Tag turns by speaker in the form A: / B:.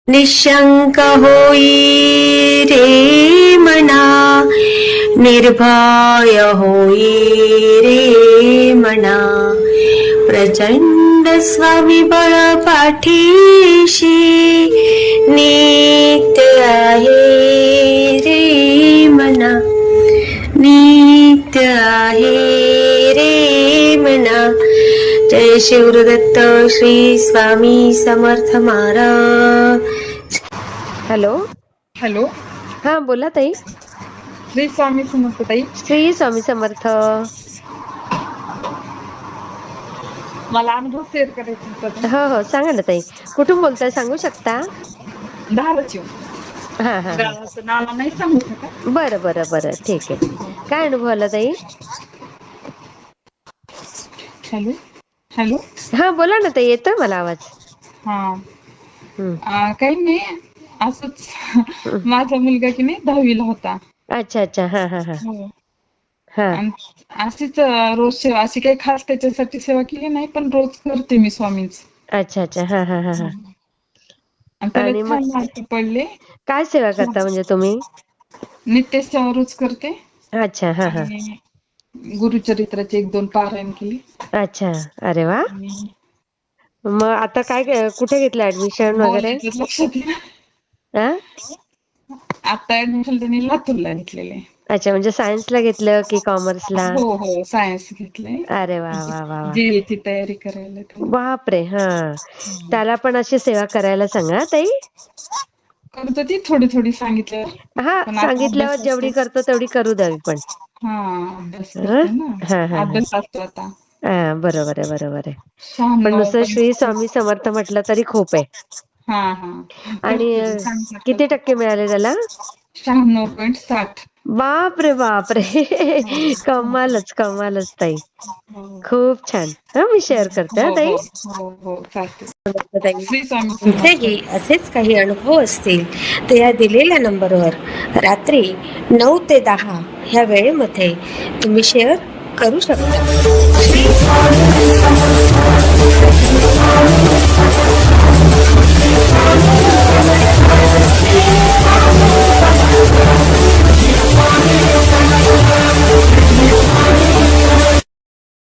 A: निशंक होई रे मना, निर्भय होई रे मना, प्रचंड स्वविबळ पाठीशी नित्य आहे रे मना, नित्य आहे रे मना. जय शिवदत्त श्री स्वामी समर्थ महाराज. हॅलो
B: हॅलो,
A: हा बोला ताई.
B: श्री स्वामी समर्थ ताई.
A: श्री स्वामी समर्थ.
B: मला अनुभव शेअर करायचा होता.
A: हो हो सांगा ना ताई, कुठून बोलताय सांगू शकता?
B: धाराशिव.
A: हा हा
B: गावाचं नाव नाही सांगू शकत.
A: बरं बरं बरं ठीक आहे. काय अनुभव आला ताई?
B: Hello hello.
A: हा बोला ना ताई, येतोय मला आवाज.
B: हा
A: हम्म.
B: काही नाही, असंच माझा मुलगा की नाही 10वीला होता.
A: अच्छा अच्छा हा हा हा
B: हो.
A: हा
B: आणि अशीच रोज सेवा, अशी काही खास त्याच्यासाठी सेवा केली नाही, पण रोज करते मी स्वामींच.
A: अच्छा अच्छा हा हा हा हा.
B: आणि त्याला
A: आणि मग
B: छान मार्क पडले.
A: काय सेवा करता म्हणजे तुम्ही?
B: नित्य सेवा रोज करते.
A: अच्छा हा हा.
B: आणि गुरुचरित्राचे 1-2 पारायण केली.
A: अच्छा, अरे वा.
B: आणि
A: मग आता काय कुठे घेतलं ऍडमिशन वगैरे?
B: याच्यात लक्षात येईल.
A: हा.
B: आता ऍडमिशन त्यांनी लातूरला घेतलेले.
A: अच्छा, म्हणजे सायन्सला घेतलं की कॉमर्सला?
B: हो हो, सायन्स घेतलंय.
A: अरे वा वा वा वा.
B: जेईची तयारी करायला तो.
A: बापरे हा. त्याला पण अशी सेवा करायला सांगा ताई.
B: करतो ती थोडी थोडी सांगितल्यावर.
A: हा,
B: पण आता
A: सांगितल्यावर
B: अभ्यास असतो.
A: जेवढी करतो तेवढी करू द्यावी पण.
B: हा, अभ्यास
A: हा
B: करते ना.
A: हा हा हा.
B: अभ्यास असतो आता.
A: हा बरोबर आहे बरोबर आहे. पण
B: 96
A: नुसतं श्री
B: पण.
A: स्वामी समर्थ म्हटलं तरी खूप आहे.
B: हा हा.
A: आणि
B: करते ती, सांगितलं
A: किती
B: करते.
A: टक्के मिळाले त्याला?
B: 96.7.
A: बापरे बापरे. कमालच कमालच ताई.
B: हो
A: खूप छान. हा, मी शेअर करते हा
B: हो
A: ताई.
B: हो हो हो, चालते. श्री स्वामी समर्थ.
A: तुमचेही असेच काही अनुभव असतील तर या दिलेल्या नंबरवर रात्री 9 ते 10 ह्या वेळेमध्ये तुम्ही शेअर करू शकता.